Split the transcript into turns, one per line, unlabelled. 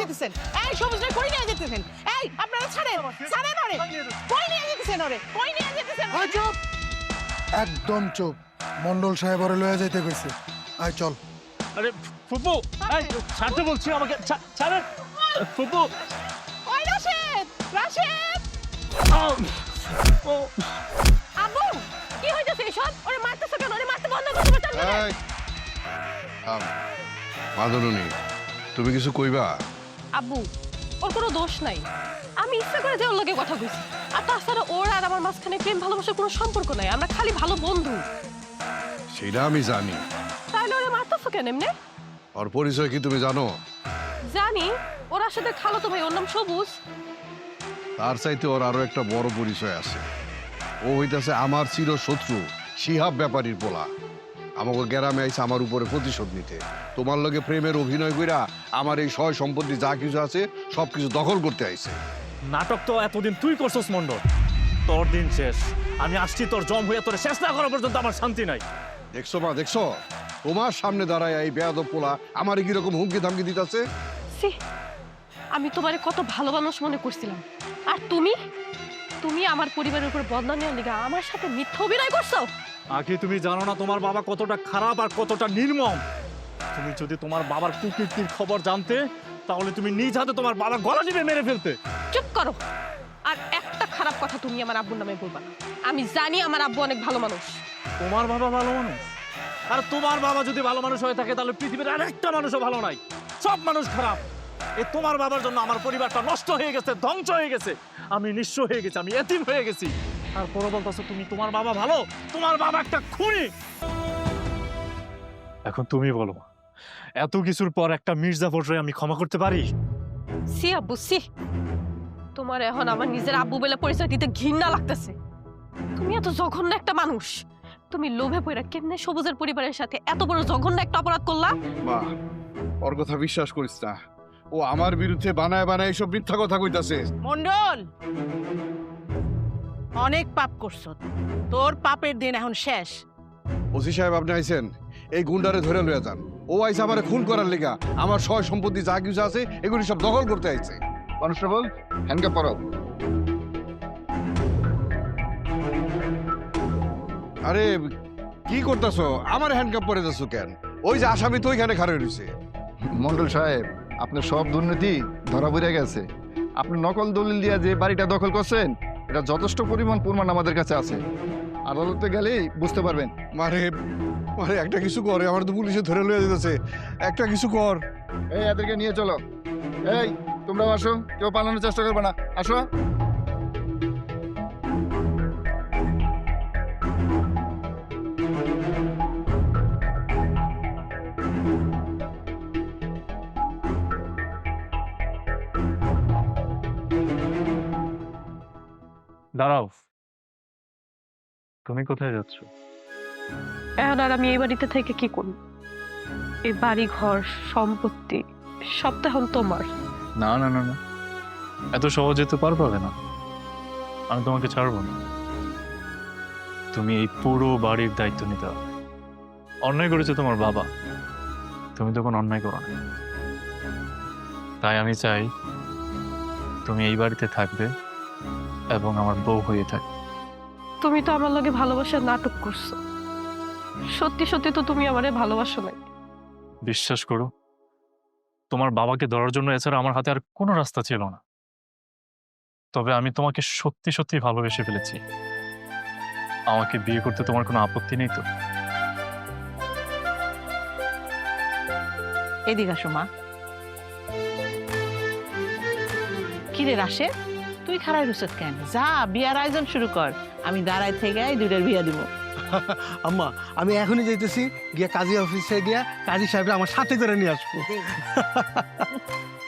যেতেছেন? এই সবুজ রে কই নিয়ে যেতেছেন? এই আপনারা ছাড়েন, ছাড়েন ওরে। কই নিয়ে যেতেছেন ওরে? কই নিয়ে যেতেছেন?
চুপ, একদম চুপ। মন্ডল সাহেব ওরে লয়ে যাইতে কইছে। আয় চল।
আরে ফুপু, এই ছাড়তে বলছি, আমাকে ছাড়েন ফুপু।
ওই রাশেদ, রাশেদ।
ও
আব্বু কি হইতাছে এসব? ওরে মারতেছ কেন? ওরে মারতে বন্ধ করতে পারছেন না?
এই মাদনুনি, তুমি কিছু কইবা?
আব্বু ওর কোনো দোষ নাই, আমি ইচ্ছা করে যে ওর লগে কথা কইছি। আর তাছাড়া ওর আর আমার মাঝখানে প্রেম ভালোবাসার কোনো সম্পর্ক নাই, আমরা খালি ভালো বন্ধু।
সেটা আমি জানি।
তাইলে ওরে মারতেছো কেন এমনে?
ওর পরিচয় কি তুমি জানো?
জানি, ওর সাথে খালাতো ভাই, ওর নাম সবুজ।
তার চাইতে ওর আরো একটা বড় পরিচয় আছে। ও হইতাছে আমার চির শত্রু শিহাব ব্যাপারীর পোলা। আমাকে গ্রামে আইছে আমার উপরে প্রতিশোধ নিতে। তোমার লগে প্রেমের অভিনয় কইরা আমার এই সয় সম্পত্তি যা কিছু আছে সবকিছু দখল করতে আইছে।
নাটক তো এতদিন তুই করছস মন্ডল, তোর দিন শেষ। আমি আসছি তোর জম হইয়া তোর শেষ না করা পর্যন্ত আমার শান্তি নাই।
দেখছো মা, দেখছো তোমার সামনে দাঁড়ায় এই বেয়াদব পোলা আমারে কিরকম হুমকি ধামকি দিতেছে।
সি, আমি তোমারে কত ভালো মানুষ মনে করছিলাম, আর তুমি তুমি আমার পরিবারের উপর বদনাম নেওয়ার লিগা আমার সাথে মিথ্যা অভিনয় করছো।
আগে তুমি জানো না তোমার বাবা কতটা খারাপ আর কতটা নির্মম। তুমি যদি তোমার বাবার কুকীর্তির খবর জানতে, তাহলে তুমি নিজ হাতে তোমার বাবার গলা টিপে মেরে ফেলতে।
চুপ করো, আর একটা খারাপ কথা তুমি আমার আব্বুর নামে বলবা না। আমি জানি আমার আব্বু অনেক ভালো মানুষ।
তোমার বাবা ভালো মানুষ? আর তোমার বাবা যদি ভালো মানুষ হয়ে থাকে, তাহলে পৃথিবীর আরেকটা মানুষও ভালো নাই, সব মানুষ খারাপ। এ তোমার বাবার জন্য আমার পরিবারটা নষ্ট হয়ে গেছে, ধ্বংস হয়ে গেছে, আমি নিঃস্ব হয়ে গেছি, আমি এতিম হয়ে গেছি। আর পরে বলতেছো তুমি তোমার বাবা ভালো? তোমার বাবা একটা খুনি। এখন তুমি বলো, এত কিছুর পর একটা মির্জাফররে আমি ক্ষমা করতে পারি?
সি আব্বু সি, তোমার এখন আমার নিজের আব্বু বলে পরিচয় দিতে ঘৃণা লাগতেছে। তুমি এত জঘন্য একটা মানুষ, তুমি লোভে পড়া কেমনে সবুজের পরিবারের সাথে এত বড় জঘন্য একটা অপরাধ করলা?
মা, ওর কথা বিশ্বাস করিস না। ও আমার বিরুদ্ধে বানায় বানায় সব মিথ্যা কথা কইতাছে।
মন্ডল, অনেক পাপ করছো, তোর পাপের দিন এখন শেষ।
ওসি সাহেব আপনি আইছেন, এই গুন্ডারে ধরে লইয়া যান। ও আইছে আমারে খুন করার লিগা, আমার সয় সম্পত্তি যা কিছু আছে এগুলি সব দখল করতে আইছে। কনস্টেবল, হ্যান্ডকাপ পরাও। আরে কি করতেছো? আমার হ্যান্ডকাপ পরে যাচ্ছ কেন? ওই যে আসামি তো ওইখানে খাড়া রয়েছে।
মন্ডল সাহেব, আপনার সব দুর্নীতি ধরা পড়ে গেছে। আপনি নকল দলিল দিয়া যে বাড়িটা দখল করছেন, এটা যথেষ্ট পরিমাণ প্রমাণ আমাদের কাছে আছে। আদালতে গেলেই বুঝতে পারবেন।
মারে মারে, একটা কিছু করে, আমার তো পুলিশে ধরে লইয়া দিতেছে। একটা কিছু কর।
এই এদেরকে নিয়ে চলো। এই তোমরাও আসো, কেউ পালানোর চেষ্টা করবে না, আসো।
দাঁড়াও, তুমি কোথায় যাচ্ছ?
এখন আর আমি এই বাড়িতে থেকে কি করব? এই বাড়ি ঘর সম্পত্তি সব তো এখন তোমার।
না না না না, এত সহজে তো পার পাবে না। আমি তোমাকে ছাড়বো না। তুমি এই পুরো বাড়ির দায়িত্ব নিতে হবে। অন্যায় করেছে তোমার বাবা, তুমি তো কোনো অন্যায় করো না। তাই আমি চাই তুমি এই বাড়িতে থাকবে এবং আমার বউ হয়ে থাকবে।
তুমি তো আমার লগে ভালোবাসার নাটক করছো, সত্যি সত্যি তো তুমি আমারে ভালোবাসো না।
বিশ্বাস করো, তোমার বাবাকে ধরার জন্য এছাড়া আমার হাতে আর কোনো রাস্তা ছিল না। তবে আমি তোমাকে সত্যি সত্যি ভালোবেসে ফেলেছি। আমাকে বিয়ে করতে তোমার কোনো আপত্তি নেই তো?
এদিকে আসো মা। কিরে রাশেদ, তুই খারাপ রুসত কেন? যা বিয়ার আয়োজন শুরু কর, আমি দাঁড়ায় থেকে এই দুইটার বিয়া দিব।
আম্মা, আমি এখনই যাইতেছি, গিয়া কাজী অফিসে গিয়া কাজী সাহেবরা আমার সাথে করে নিয়ে আসবো।